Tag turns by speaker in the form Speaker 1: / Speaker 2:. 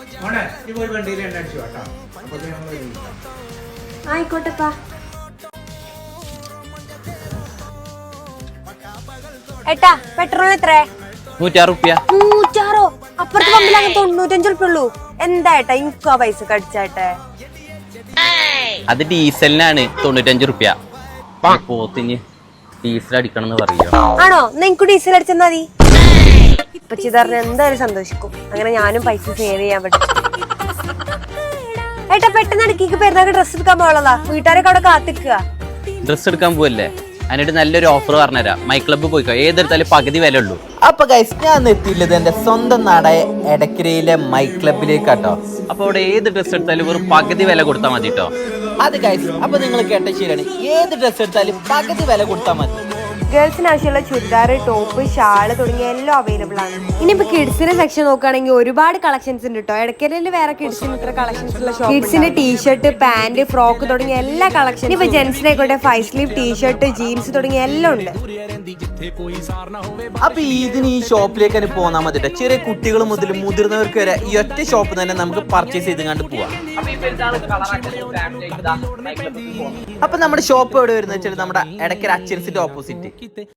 Speaker 1: ആയിക്കോട്ടെപ്പാ. ഏട്ടാ പെട്രോൾ എത്ര?
Speaker 2: 106 റുപ്യ.
Speaker 1: 106? അപ്പുറത്തെ പമ്പിലങ്ങ് 95 റുപ്യ ഉള്ളൂ. എന്താ ഏട്ടാ എനിക്ക് ആ പൈസ കടിച്ചാട്ടെ?
Speaker 2: അത് ഡീസലിനാണ് 95 റുപ്യ. പോത്തിന് ഡീസൽ അടിക്കണം എന്ന് പറയോ?
Speaker 1: ആണോ? നിങ്ങക്ക് ഡീസൽ അടിച്ചെന്നാ മതി. ഇപ്പൊ ചിതറിന് എന്തായാലും സന്തോഷിക്കും. അങ്ങനെ ഞാനും പൈസ സേവ് ചെയ്യാൻ പറ്റും. ഏട്ടാ പെട്ടെന്ന് ഇടയ്ക്ക് പെരുന്നാൾക്ക് ഡ്രസ്സ് എടുക്കാൻ പോകാനുള്ളതാ. വീട്ടുകാരൊക്കെ അവിടെ കാത്തിക്കുക.
Speaker 2: ഡ്രസ്സ് എടുക്കാൻ പോവല്ലേ? അതിനായിട്ട് നല്ലൊരു ഓഫർ പറഞ്ഞുതരാം. മൈ ക്ലബ്ബ് പോയിക്കോ, ഏതെടുത്താലും പകുതി വില ഉള്ളൂ.
Speaker 3: അപ്പൊ ഗൈസ് ഞാൻ എത്തിയില്ലത് എന്റെ സ്വന്തം നാടായ എടക്കരയിലെ മൈ ക്ലബിലേക്കാട്ടോ.
Speaker 2: അപ്പൊ അവിടെ ഏത് ഡ്രസ്സ് എടുത്താലും വെറും പകുതി വില കൊടുത്താൽ മതി കേട്ടോ.
Speaker 3: അത് ഗൈസ് അപ്പൊ നിങ്ങൾ കേട്ട ശരിയാണ്, ഏത് ഡ്രസ്സ് എടുത്താലും പകുതി വില കൊടുത്താൽ മതി.
Speaker 1: ഗേൾസിന് ആവശ്യമുള്ള ചുരിദാർ, ടോപ്പ്, ഷാള് തുടങ്ങിയ എല്ലാം അവൈലബിൾ ആണ്. ഇനിയിപ്പോ കിഡ്സിന്റെ സെക്ഷൻ നോക്കുകയാണെങ്കിൽ ഒരുപാട് കളക്ഷൻസ് ഉണ്ട് കേട്ടോ. ഇടയ്ക്കലിൽ വേറെ കിഡ്സിന് ഇത്ര കളക്ഷൻസ് ഉള്ള ഷോപ്പ്. കിഡ്സിന്റെ ടീഷർട്ട്, പാന്റ്, ഫ്രോക്ക് തുടങ്ങിയ എല്ലാ കളക്ഷനും. ഇപ്പൊ ജെന്റ്സിനായിക്കോട്ടെ 5 സ്ലീവ് ടീഷർട്ട്, ജീൻസ് തുടങ്ങിയ എല്ലാം ഉണ്ട്.
Speaker 3: അപ്പൊ ഇതിന് ഈ ഷോപ്പിലേക്ക് തന്നെ പോന്നാ മതി. ചെറിയ കുട്ടികൾ മുതൽ മുതിർന്നവർക്ക് വരെ ഈ ഒറ്റ ഷോപ്പ് തന്നെ നമുക്ക് പർച്ചേസ് ചെയ്ത് കണ്ട് പോവാം. അപ്പൊ നമ്മുടെ ഷോപ്പ് എവിടെ വരുന്നത് വെച്ചാൽ നമ്മുടെ എടക്കര അച്ചൻസിന്റെ ഓപ്പോസിറ്റ്.